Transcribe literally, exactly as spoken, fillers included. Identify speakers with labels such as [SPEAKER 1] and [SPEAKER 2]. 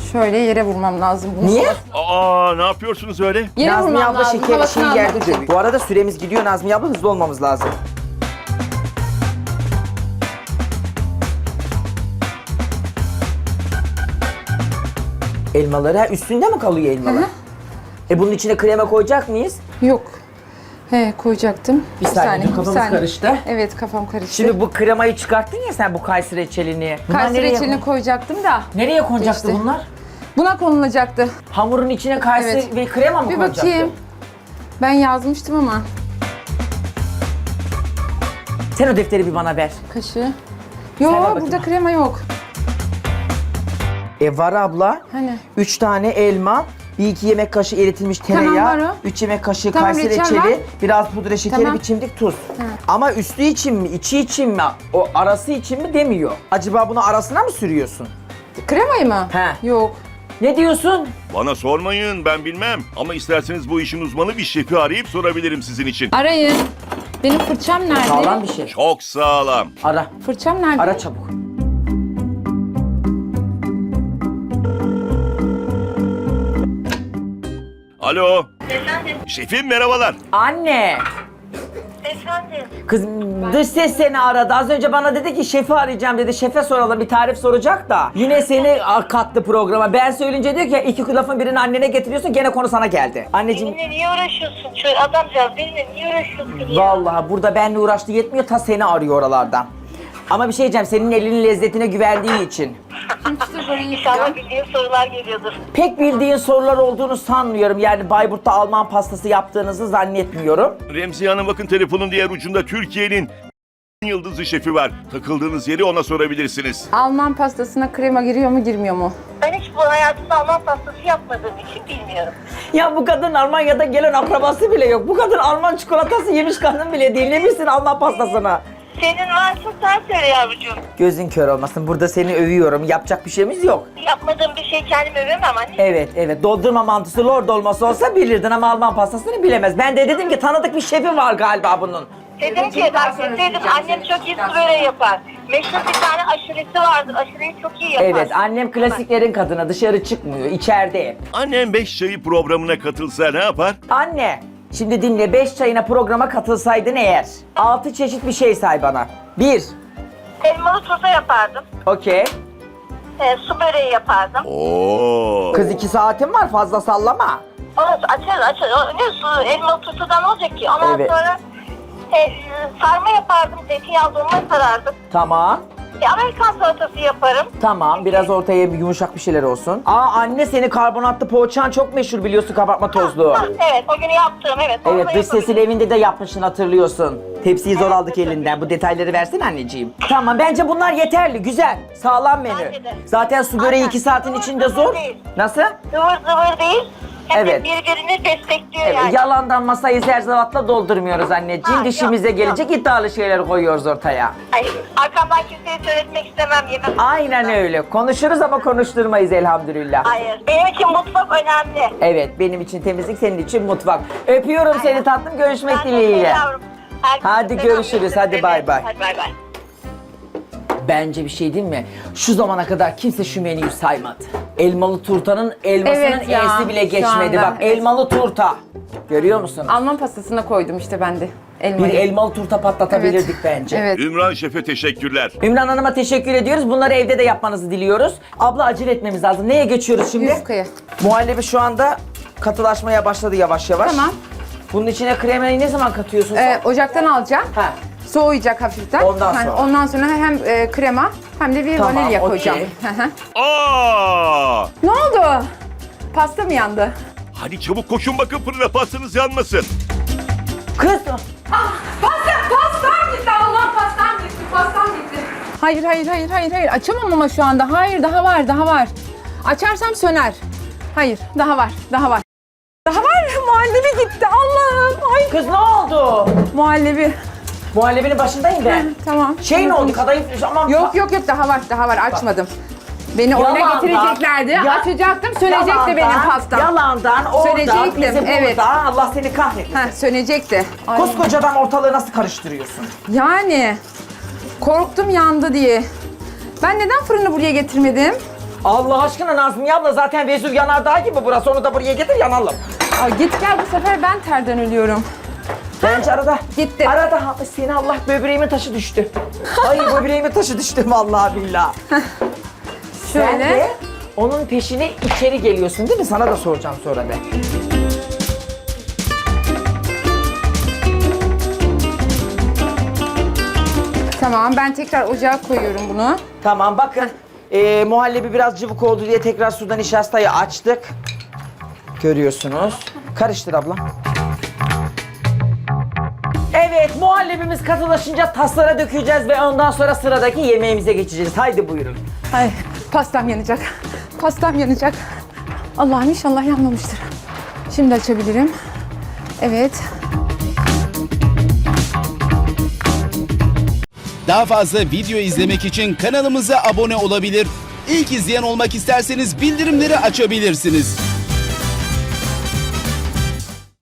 [SPEAKER 1] Şöyle yere vurmam lazım bunu.
[SPEAKER 2] Niye?
[SPEAKER 3] Aa, ne yapıyorsunuz öyle?
[SPEAKER 1] Yere
[SPEAKER 2] Nazmiye
[SPEAKER 1] vurmam
[SPEAKER 2] abla
[SPEAKER 1] lazım.
[SPEAKER 2] şeker
[SPEAKER 1] havasını
[SPEAKER 2] şeyi
[SPEAKER 1] almak
[SPEAKER 2] yerde
[SPEAKER 1] için.
[SPEAKER 2] dövüyor. Bu arada süremiz gidiyor Nazmiye abla, hızlı olmamız lazım. Elmaları ha, üstünde mi kalıyor elmalar?
[SPEAKER 1] Hı hı.
[SPEAKER 2] E bunun içine krema koyacak mıyız?
[SPEAKER 1] Yok. He koyacaktım.
[SPEAKER 2] Bir saniye, dur, kafamız karıştı.
[SPEAKER 1] Evet kafam karıştı.
[SPEAKER 2] Şimdi bu kremayı çıkarttın ya sen, bu kayısı reçelini. Bunlar
[SPEAKER 1] Kayseri
[SPEAKER 2] nereye
[SPEAKER 1] reçelini
[SPEAKER 2] koy-
[SPEAKER 1] koyacaktım da.
[SPEAKER 2] Nereye konacaktı
[SPEAKER 1] Geçti.
[SPEAKER 2] bunlar?
[SPEAKER 1] Buna konulacaktı.
[SPEAKER 2] Hamurun içine kayısı
[SPEAKER 1] Evet.
[SPEAKER 2] ve krema mı
[SPEAKER 1] Bir
[SPEAKER 2] konacaktı?
[SPEAKER 1] bakayım. Ben yazmıştım ama.
[SPEAKER 2] Sen o defteri bir bana ver.
[SPEAKER 1] Kaşığı.
[SPEAKER 2] Sen ver
[SPEAKER 1] Yok
[SPEAKER 2] bakayım.
[SPEAKER 1] burada krema yok.
[SPEAKER 2] E var abla.
[SPEAKER 1] Hani?
[SPEAKER 2] Üç tane elma, bir iki yemek kaşığı eritilmiş
[SPEAKER 1] Tamam,
[SPEAKER 2] tereyağı,
[SPEAKER 1] var o.
[SPEAKER 2] üç yemek kaşığı
[SPEAKER 1] Tamam,
[SPEAKER 2] kayısı
[SPEAKER 1] reçel
[SPEAKER 2] reçeli,
[SPEAKER 1] var.
[SPEAKER 2] biraz pudra şekeri,
[SPEAKER 1] Tamam.
[SPEAKER 2] bir çimdik tuz. Ama üstü için mi, içi için mi, o arası için mi demiyor. Acaba bunu arasına mı sürüyorsun?
[SPEAKER 1] Kremayı mı?
[SPEAKER 2] He.
[SPEAKER 1] Yok.
[SPEAKER 2] Ne diyorsun?
[SPEAKER 3] Bana sormayın, ben bilmem. Ama isterseniz bu işin uzmanı bir şefi arayıp sorabilirim sizin için.
[SPEAKER 1] Arayın. Benim fırçam nerede?
[SPEAKER 2] Sağlam bir şey.
[SPEAKER 3] Çok sağlam.
[SPEAKER 2] Ara.
[SPEAKER 1] Fırçam nerede?
[SPEAKER 2] Ara çabuk.
[SPEAKER 3] Alo.
[SPEAKER 4] Efendim,
[SPEAKER 3] Şefim merhabalar.
[SPEAKER 2] Anne.
[SPEAKER 4] efendim.
[SPEAKER 2] Kız dış ses seni aradı. Az önce bana dedi ki şefi arayacağım dedi. Şefe soralım, bir tarif soracak da. Yine seni kattı programa. Ben söyleyince diyor ki iki lafın birini annene getiriyorsun, gene konu sana geldi. Anneciğim
[SPEAKER 4] Benimle niye uğraşıyorsun? Şöyle adamcağız benimle niye uğraşıyorsun ya?
[SPEAKER 2] vallahi burada benle uğraştı yetmiyor, ta seni arıyor oralardan. Ama bir şey diyeceğim, senin elinin lezzetine güvendiği için.
[SPEAKER 4] İnşallah bildiğin sorular geliyordur.
[SPEAKER 2] Pek bildiğin sorular olduğunu sanmıyorum. Yani Bayburt'ta Alman pastası yaptığınızı zannetmiyorum.
[SPEAKER 3] Remziye Hanım bakın, telefonun diğer ucunda Türkiye'nin yıldızı şefi var. Takıldığınız yeri ona sorabilirsiniz.
[SPEAKER 1] Alman pastasına krema giriyor mu girmiyor mu?
[SPEAKER 4] Ben hiç bu hayatımda Alman pastası yapmadığım için bilmiyorum.
[SPEAKER 2] Ya bu kadın Almanya'da gelen akrabası bile yok. Bu kadın Alman çikolatası yemiş kadın bile değil. Ne bilsin Alman pastasını?
[SPEAKER 4] Senin varsa sen söyle yavrucuğum.
[SPEAKER 2] Gözün kör olmasın. Burada seni övüyorum. Yapacak bir şeyimiz yok.
[SPEAKER 4] Yapmadığım bir şey kendimi övemem anne.
[SPEAKER 2] Evet, evet. Doldurma mantısı lor dolması olsa bilirdin ama Alman pastasını bilemez. Ben de dedim ki tanıdık bir şefi var galiba bunun.
[SPEAKER 4] Dedim ki bak dedim annem çok iyi su böreği yapar. Meşhur bir tane aşuresi vardır. Aşureyi çok iyi yapar.
[SPEAKER 2] Evet, annem klasiklerin kadını. Dışarı çıkmıyor, içeride hep.
[SPEAKER 3] Annem beş çayı programına katılsa ne yapar?
[SPEAKER 2] Anne, şimdi dinle. Beş çayına programa katılsaydın eğer. Altı çeşit bir şey say bana. Bir,
[SPEAKER 4] Elmalı turta yapardım.
[SPEAKER 2] okey.
[SPEAKER 4] E, su böreği yapardım.
[SPEAKER 3] Oo.
[SPEAKER 2] Kız iki saatin var, fazla sallama.
[SPEAKER 4] Onu açarız açarız. O ne su elmalı turtadan olacak ki? Ondan
[SPEAKER 2] Evet.
[SPEAKER 4] sonra e, sarma yapardım. Zeytinyağlı dolma sarardım.
[SPEAKER 2] Tamam.
[SPEAKER 4] E, Amerikan salatası yaparım.
[SPEAKER 2] Tamam, biraz ortaya bir yumuşak bir şeyler olsun. Aa anne, seni karbonatlı poğaçan çok meşhur biliyorsun, kabartma tozlu.
[SPEAKER 4] Ha, evet o günü yaptığım evet. onu
[SPEAKER 2] Evet,
[SPEAKER 4] da
[SPEAKER 2] dış sesin
[SPEAKER 4] yapabilirim.
[SPEAKER 2] evinde de yapmışsın, hatırlıyorsun. Tepsiyi zor aldık elinden. Bu detayları versene anneciğim. Tamam, bence bunlar yeterli, güzel. Sağlam menü.
[SPEAKER 4] Bence de.
[SPEAKER 2] Zaten su böreği
[SPEAKER 4] Aynen.
[SPEAKER 2] iki saatin
[SPEAKER 4] Zıvır
[SPEAKER 2] içinde
[SPEAKER 4] zıvır
[SPEAKER 2] zor.
[SPEAKER 4] değil.
[SPEAKER 2] Nasıl?
[SPEAKER 4] Zıvır zıvır değil. Hem
[SPEAKER 2] Evet.
[SPEAKER 4] de birbirini destekliyor
[SPEAKER 2] Evet,
[SPEAKER 4] yani.
[SPEAKER 2] yalandan masayı zerzavatla doldurmuyoruz anneciğim.
[SPEAKER 4] Ha,
[SPEAKER 2] Dişimize
[SPEAKER 4] yok,
[SPEAKER 2] gelecek iddialı şeyler koyuyoruz ortaya.
[SPEAKER 4] Ay, arkamdan kimseye söyletmek istemem yemem.
[SPEAKER 2] Aynen öyle. Konuşuruz ama konuşturmayız elhamdülillah.
[SPEAKER 4] Hayır. Benim için mutfak önemli.
[SPEAKER 2] Evet, benim için temizlik, senin için mutfak. Öpüyorum seni tatlım, görüşmek
[SPEAKER 4] Ben de
[SPEAKER 2] dileğiyle.
[SPEAKER 4] yavrum. Herkese
[SPEAKER 2] Hadi
[SPEAKER 4] selam,
[SPEAKER 2] görüşürüz, hadi
[SPEAKER 4] görüşürüz.
[SPEAKER 2] bay bay.
[SPEAKER 4] Hadi bay bay.
[SPEAKER 2] Bence bir şey değil mi? Şu zamana kadar kimse şu menüyü saymadı. Elmalı turtanın elmasının
[SPEAKER 1] Evet ya,
[SPEAKER 2] E'si bile
[SPEAKER 1] şu
[SPEAKER 2] geçmedi.
[SPEAKER 1] anda,
[SPEAKER 2] Bak,
[SPEAKER 1] evet.
[SPEAKER 2] elmalı turta. Görüyor musun?
[SPEAKER 1] Alman pastasına koydum işte ben de.
[SPEAKER 2] Bir
[SPEAKER 1] Elmayı.
[SPEAKER 2] elmalı turta patlatabilirdik bence.
[SPEAKER 1] Evet.
[SPEAKER 3] Ümran Şef'e teşekkürler.
[SPEAKER 2] Ümran Hanım'a teşekkür ediyoruz. Bunları evde de yapmanızı diliyoruz. Abla, acele etmemiz lazım. Neye geçiyoruz şimdi?
[SPEAKER 1] Yufkaya.
[SPEAKER 2] Muhallebi şu anda katılaşmaya başladı yavaş yavaş.
[SPEAKER 1] Tamam.
[SPEAKER 2] Bunun içine kremayı ne zaman katıyorsun sen?
[SPEAKER 1] Ee, ocaktan alacağım.
[SPEAKER 2] Ha.
[SPEAKER 1] Soğuyacak hafiften.
[SPEAKER 2] Ondan
[SPEAKER 1] Yani
[SPEAKER 2] sonra.
[SPEAKER 1] ondan sonra hem e, krema hem de bir
[SPEAKER 2] Tamam,
[SPEAKER 1] vanilya
[SPEAKER 2] okey.
[SPEAKER 1] koyacağım. Hı hı.
[SPEAKER 3] Aa!
[SPEAKER 1] Ne oldu? Pasta mı yandı?
[SPEAKER 3] Hadi çabuk koşun bakın fırına, pastanız yanmasın.
[SPEAKER 2] Kız!
[SPEAKER 1] Pasta, pastam gitti. Allah pastam gitti. Pastam gitti. Hayır, hayır, hayır, hayır, hayır. Açamam ama şu anda. Hayır, daha var, daha var. Açarsam söner. Hayır, daha var, daha var. Daha var. Muhallebi gitti. Allah'ım. Ay.
[SPEAKER 2] Kız ne oldu?
[SPEAKER 1] Muhallebi.
[SPEAKER 2] Muhallebinin başındayım ben.
[SPEAKER 1] Tamam.
[SPEAKER 2] Şey ne oldu? Kadayıf aman.
[SPEAKER 1] Yok yok yok daha var daha var açmadım. Beni oyuna
[SPEAKER 2] Yalandan-
[SPEAKER 1] getireceklerdi.
[SPEAKER 2] Ya-
[SPEAKER 1] Açacaktım sönecekti
[SPEAKER 2] Yalandan-
[SPEAKER 1] benim pastam.
[SPEAKER 2] Yalandan oradan
[SPEAKER 1] Sönecektim,
[SPEAKER 2] bizi
[SPEAKER 1] evet.
[SPEAKER 2] burada. Allah seni kahretsin.
[SPEAKER 1] Ha sönecekti. Ay.
[SPEAKER 2] Koskocadan ortalığı nasıl karıştırıyorsun?
[SPEAKER 1] Yani korktum yandı diye. Ben neden fırını buraya getirmedim?
[SPEAKER 2] Allah aşkına Nazmiye abla zaten Vezüv yanardağı gibi burası. Onu da buraya getir yanalım.
[SPEAKER 1] Ay git gel, bu sefer ben terden ölüyorum.
[SPEAKER 2] Bence arada.
[SPEAKER 1] Gitti.
[SPEAKER 2] Arada ha- seni Allah böbreğimin taşı düştü. Ay böbreğimin taşı düştü vallahi billahi. Sen
[SPEAKER 1] Şöyle.
[SPEAKER 2] de onun peşine içeri geliyorsun değil mi? Sana da soracağım sonra be.
[SPEAKER 1] Tamam, ben tekrar ocağa koyuyorum bunu.
[SPEAKER 2] Tamam bakın. Ee, muhallebi biraz cıvık oldu diye tekrar suda nişastayı açtık. Görüyorsunuz. Karıştır abla. Evet, muhallebimiz katılaşınca taslara dökeceğiz ve ondan sonra sıradaki yemeğimize geçeceğiz. Haydi buyurun.
[SPEAKER 1] Ay, pastam yanacak. Pastam yanacak. Allah'ım inşallah yanmamıştır. Şimdi açabilirim. Evet.
[SPEAKER 5] Daha fazla video izlemek için kanalımıza abone olabilir. İlk izleyen olmak isterseniz bildirimleri açabilirsiniz.